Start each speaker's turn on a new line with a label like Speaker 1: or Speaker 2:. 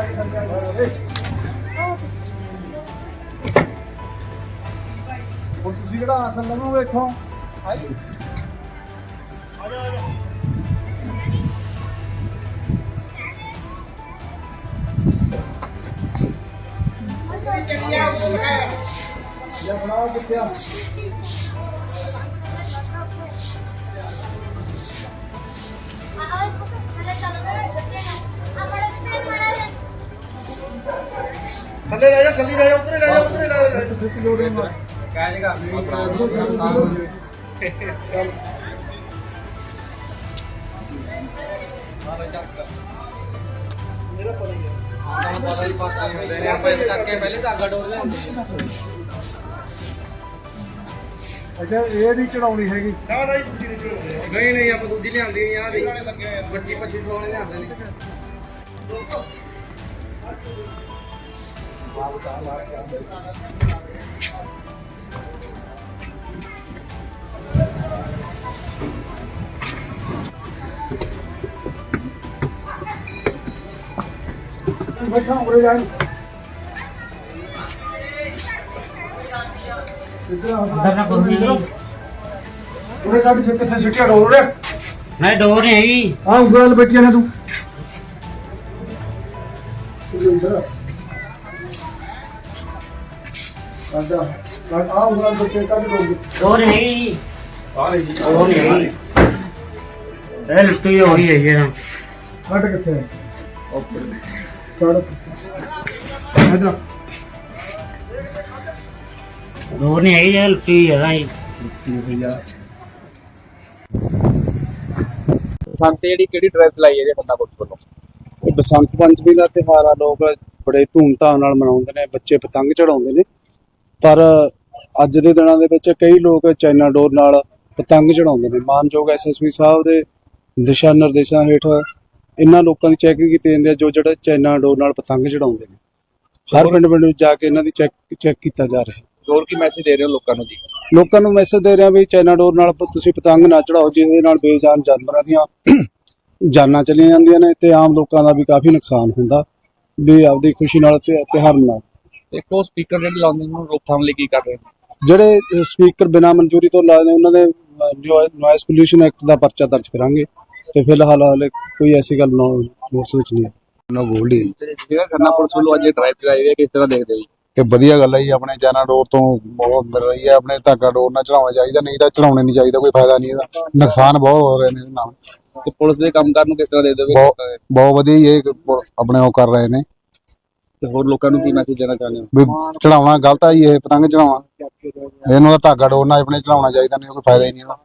Speaker 1: ਤੁਸੀਂ ਕਿਹੜਾ ਆਸਨ ਲਵੋਗੇ ਇੱਥੋਂ ਆਈ ਆ ਜਾ ये बनाओ कितना थल्ले ले जा थल्ले ले जा उतरे ले जा उतरे ले जा सिर्फ जोड़ रही मार क्या जगह अभी मेरा पड़ गया पता ही बात नहीं होते हैं आप करके पहले धागा डोर ले अच्छा ये नहीं चढ़ाउनी हैगी ना नहीं दूजी नहीं चढ़ाउनी नहीं नहीं आप दूजी ले आंदी नहीं आ दी 25 वाले ले आंदे नहीं बैठा उरे जाए उरे काट से कितने सीटियां डोर रे
Speaker 2: मैं डोर नहीं हैगी
Speaker 1: हां उंगल बैठी ने तू इधर आजा काट आ उंगल बैठे काट
Speaker 2: डोर नहीं हैगी
Speaker 1: आ रही
Speaker 2: डोर नहीं हैगी ए लुट्टी हो गई है ये
Speaker 1: काट कितने ओके काट इधर
Speaker 2: डोर नहीं हैगी ये लुट्टी है भाई
Speaker 1: भैया
Speaker 3: ਬਸੰਤ ਜਿਹੜੀ ਕਿਹੜੀ ਡਰਾਈਵ ਚਲਾਈ ਹੈ ਜੇ ਬੰਦਾ ਪੁਲਿਸ ਵੱਲੋਂ?
Speaker 4: ਇਹ ਬਸੰਤ ਪੰਚਮੀ ਦਾ ਤਿਉਹਾਰ ਆ, ਲੋਕ ਬੜੇ ਧੂਮਧਾਮ ਨਾਲ ਮਨਾਉਂਦੇ ਨੇ, ਬੱਚੇ ਪਤੰਗ ਚੜਾਉਂਦੇ ਨੇ। ਪਰ ਅੱਜ ਦੇ ਦਿਨਾਂ ਦੇ ਵਿੱਚ ਕਈ ਲੋਕ ਚਾਈਨਾ ਡੋਰ ਨਾਲ ਪਤੰਗ ਚੜਾਉਂਦੇ ਨੇ। ਮਾਨਯੋਗ ਐਸਐਸਪੀ ਸਾਹਿਬ ਦੇ ਦਿਸ਼ਾ ਨਿਰਦੇਸ਼ਾਂ ਹੇਠ ਇਹਨਾਂ ਲੋਕਾਂ ਦੀ ਚੈਕਿੰਗ ਕੀਤੀ ਜਾਂਦੀ ਹੈ ਜੋ ਜਿਹੜੇ ਚਾਈਨਾ ਡੋਰ ਨਾਲ ਪਤੰਗ ਚੜਾਉਂਦੇ ਨੇ। ਹਰ ਪਿੰਡ ਵਿੱਚ ਜਾ ਕੇ ਇਹਨਾਂ ਦੀ ਚੈੱਕ ਕੀਤਾ ਜਾ ਰਿਹਾ ਹੈ।
Speaker 3: ਹੋਰ ਕੀ ਮੈਸੇਜ ਦੇ ਰਹੇ ਹੋ ਲੋਕਾਂ ਨੂੰ ਜੀ?
Speaker 4: ਲੋਕਾਂ ਨੂੰ ਮੈਸੇਜ ਦੇ ਰਿਹਾ ਵੀ ਚਾਈਨਾ ਡੋਰ ਨਾਲ ਤੁਸੀਂ ਪਤੰਗ ਨਾ ਚੜਾਓ, ਜਿਹਦੇ ਨਾਲ ਬੇਜਾਨ ਜਾਨਵਰਾਂ ਦੀਆਂ ਜਾਨਾਂ ਚਲੀਆਂ ਜਾਂਦੀਆਂ ਨੇ ਤੇ ਆਮ ਲੋਕਾਂ ਦਾ ਵੀ ਕਾਫੀ ਨੁਕਸਾਨ ਹੁੰਦਾ। ਵੀ ਆਪਦੀ ਖੁਸ਼ੀ ਨਾਲ ਤਿਉਹਾਰ ਮਨਾਓ।
Speaker 3: ਦੇਖੋ ਸਪੀਕਰ ਜਿਹੜੇ ਲਾਉਂਦੇ ਨੂੰ ਰੋਕਥਾਮ ਲਈ ਕੀ ਕਰ ਰਹੇ ਨੇ?
Speaker 4: ਜਿਹੜੇ ਸਪੀਕਰ ਬਿਨਾਂ ਮਨਜ਼ੂਰੀ ਤੋਂ ਲਾਏ ਨੇ ਉਹਨਾਂ ਦੇ ਨੋਇਸ ਪੋਲਿਊਸ਼ਨ ਐਕਟ ਦਾ ਪਰਚਾ ਦਰਜ ਕਰਾਂਗੇ ਤੇ ਫਿਲਹਾਲ ਹਾਲੇ ਕੋਈ ਐਸੀ ਗੱਲ ਨੋਟਿਸ ਵਿੱਚ ਨਹੀਂ ਹੈ।
Speaker 5: ਨਾ ਗੋਲਡੀ
Speaker 3: ਜਿਹੜਾ ਖੰਨਾ ਪੁਲਿਸ ਵੱਲੋਂ ਅੱਜ ਡਰਾਈਵ ਚਲਾਈ ਹੈ ਕਿਸ ਤਰ੍ਹਾਂ ਦੇਖਦੇ ਹੋ ਜੀ?
Speaker 5: ਇਹ ਵਧੀਆ ਗੱਲ ਹੈ ਜੀ। ਆਪਣੇ ਚਾਈਨਾ ਡੋਰ ਤੋਂ ਬਹੁਤ ਮਿਲ ਰਹੀ ਹੈ। ਆਪਣੇ ਧਾਗਾ ਡੋਰ ਨਾਲ ਚੜਾਉਣਾ ਚਾਹੀਦਾ, ਨਹੀਂ ਤਾਂ ਚੜਾਉਣੇ ਨਹੀਂ ਚਾਹੀਦਾ, ਕੋਈ ਫਾਇਦਾ ਨਹੀਂ ਇਹਦਾ, ਨੁਕਸਾਨ ਬਹੁਤ ਹੋ ਰਹੇ ਨੇ ਇਹਦੇ ਨਾਲ।
Speaker 3: ਤੇ ਪੁਲਿਸ ਦੇ ਕੰਮਕਾਰ ਨੂੰ ਕਿਸ ਤਰ੍ਹਾਂ ਦੇਖਦੇ ਹੋ?
Speaker 5: ਬਹੁਤ ਵਧੀਆ ਜੀ, ਇਹ ਆਪਣੇ ਉਹ ਕਰ ਰਹੇ ਨੇ।
Speaker 3: ਤੇ ਹੋਰ ਲੋਕਾਂ ਨੂੰ ਕੀ ਮੈਸੇਜ ਦੇਣਾ ਚਾਹੁੰਦੇ ਹੋ?
Speaker 5: ਵੀ ਚੜਾਉਣਾ ਗਲਤ ਆ ਜੀ, ਇਹ ਪਤੰਗ ਚੜਾਉਣਾ, ਇਹਨੂੰ ਤਾਂ ਧਾਗਾ ਡੋਰ ਨਾਲ ਆਪਣੇ ਚੜਾਉਣਾ ਚਾਹੀਦਾ, ਨਹੀਂ ਕੋਈ ਫਾਇਦਾ ਹੀ ਨਹੀਂ ਇਹਦਾ।